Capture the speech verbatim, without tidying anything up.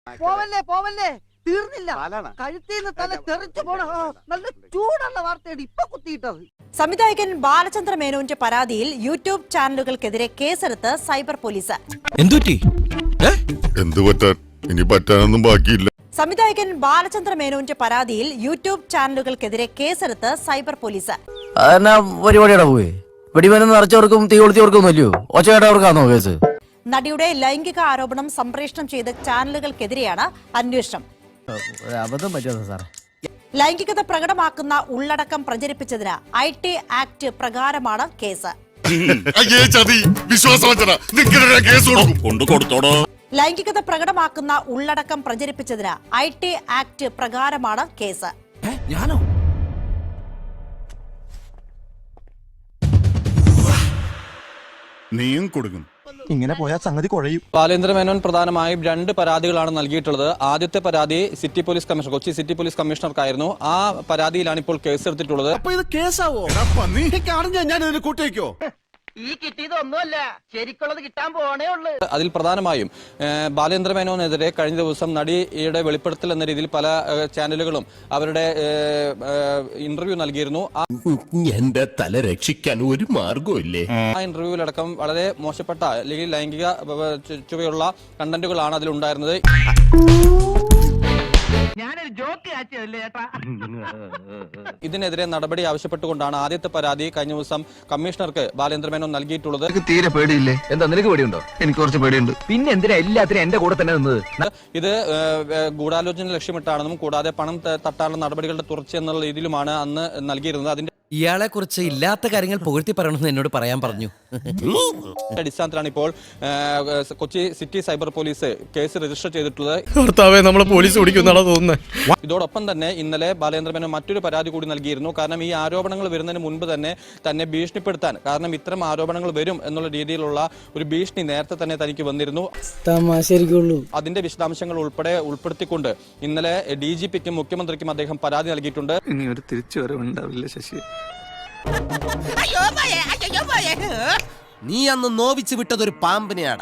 പോവല്ലേ പോവല്ലേ തീർന്നില്ല. കഴുത്തിൽ നിന്ന് തല തെറിച്ചു പോണ നല്ല ചൂടുള്ള വാർത്തയാണ് ഇപ്പൊ കുത്തിയിട്ടത്. സംവിധായകൻ ബാലചന്ദ്ര മേനോന്റെ പരാതിയിൽ യൂട്യൂബ് ചാനലുകൾക്കെതിരെ കേസെടുത്ത് സൈബർ പോലീസ്. എന്തു പറ്റാൻ ഇനി പറ്റാനൊന്നും ബാക്കിയില്ല. സംവിധായകൻ ബാലചന്ദ്ര മേനോന്റെ പരാതിയിൽ യൂട്യൂബ് ചാനലുകൾക്കെതിരെ കേസെടുത്ത് സൈബർ പോലീസ്. പരിപാടിയുടെ പോയി വെടിമരുന്ന് നിറച്ചവർക്കും തീ കൊളുത്തിയവർക്കൊന്നുമില്ലയോ ഒച്ചയായിട്ടവർക്കാണോ കേസ്? നടിയുടെ ലൈംഗിക ആരോപണം സംപ്രേഷണം ചെയ്ത ചാനലുകൾക്കെതിരെയാണ് അന്വേഷണം. അബദ്ധം പറ്റുമോ സാറേ? ലൈംഗികത പ്രകടമാക്കുന്ന ഉള്ളടക്കം പ്രചരിപ്പിച്ചതിന് ഐ ടി ആക്ട് പ്രകാരമാണ് കേസ്. ലൈംഗികത പ്രകടമാക്കുന്ന ഉള്ളടക്കം പ്രചരിപ്പിച്ചതിന് ഐ ടി ആക്ട് പ്രകാരമാണ് കേസ്. ഞാനോ? നീയും കൊടുക്കും. ഇങ്ങനെ പോയാൽ സംഗതി കുഴയും. ബാലേന്ദ്ര മേനോൻ പ്രധാനമായും രണ്ട് പരാതികളാണ് നൽകിയിട്ടുള്ളത്. ആദ്യത്തെ പരാതി city police commissioner Kochi city police കമ്മീഷണർക്കായിരുന്നു. ആ പരാതിയിലാണ് ഇപ്പോൾ കേസ് എടുത്തിട്ടുള്ളത്. ഈ കിട്ടിയതൊന്നുമല്ല, ശരിക്കുള്ളത് കിട്ടാൻ പോണേ ഉള്ളു. അതിൽ പ്രധാനമായും ബാലേന്ദ്ര മേനോനെതിരെ കഴിഞ്ഞ ദിവസം നടിയുടെ വെളിപ്പെടുത്തൽ എന്ന രീതിയിൽ പല ചാനലുകളും അവരുടെ ഇന്റർവ്യൂ നൽകിയിരുന്നു. എന്റെ തല രക്ഷിക്കാൻ ഒരു മാർഗമില്ലേ? ആ ഇന്റർവ്യൂവിലടക്കം വളരെ മോശപ്പെട്ട അല്ലെങ്കിൽ ലൈംഗിക ചുവയുള്ള കണ്ടന്റുകളാണ് അതിലുണ്ടായിരുന്നത്. ഞാനൊരു ജോക്ക് കാച്ചതല്ലേ ചേട്ടാ. ഇതിനെതിരെ നടപടി ആവശ്യപ്പെട്ടുകൊണ്ടാണ് ആദ്യത്തെ പരാതി കഴിഞ്ഞ ദിവസം കമ്മീഷണർക്ക് ബാലേന്ദ്ര മേനോൻ നൽകിയിട്ടുള്ളത്. തീരെ പേടിയില്ലേ? എന്താ നിനക്ക് പേടിയുണ്ടോ? എനിക്ക് കുറച്ച് പേടിയുണ്ട്. പിന്നെ എന്തിനാ എല്ലാത്തിനും എന്റെ കൂടെ തന്നെ നിന്നത്? ഇത് ഗൂഢാലോചന ലക്ഷ്യമിട്ടാണെന്നും കൂടാതെ പണം തട്ടാനുള്ള നടപടികളുടെ തുടർച്ച എന്നുള്ള രീതിയിലുമാണ് അന്ന് നൽകിയിരുന്നത്. അതിന്റെ ഇയാളെ കുറിച്ച് ഇല്ലാത്ത കാര്യങ്ങൾ പുകഴ്ത്തി പറയണമെന്ന് എന്നോട് പറയാൻ പറഞ്ഞു. അടിസ്ഥാനത്തിലാണ് ഇപ്പോൾ Kochi city cyber police case register ചെയ്തിട്ടുള്ളത്. നമ്മളെ പോലീസ് ഓടിക്കുന്നാണോ തോന്നുന്നത്. ഇതോടൊപ്പം തന്നെ ഇന്നലെ ബാലേന്ദ്ര മേനോൻ മറ്റൊരു പരാതി കൂടി നൽകിയിരുന്നു. കാരണം ഈ ആരോപണങ്ങൾ വരുന്നതിന് മുൻപ് തന്നെ തന്നെ ഭീഷണിപ്പെടുത്താൻ, കാരണം ഇത്തരം ആരോപണങ്ങൾ വരും എന്നുള്ള രീതിയിലുള്ള ഒരു ഭീഷണി നേരത്തെ തന്നെ തനിക്ക് വന്നിരുന്നു. അതിന്റെ വിശദാംശങ്ങൾ ഉൾപ്പെടെ ഉൾപ്പെടുത്തിക്കൊണ്ട് ഇന്നലെ ഡി ജി പിക്കും മുഖ്യമന്ത്രിക്കും അദ്ദേഹം പരാതി നൽകിയിട്ടുണ്ട്. ഇനി ഒരു തിരിച്ചുവരവുണ്ടാവില്ല ശശി. നീ അന്ന് നോവിച്ച് വിട്ടതൊരു പാമ്പിനെയാണ്.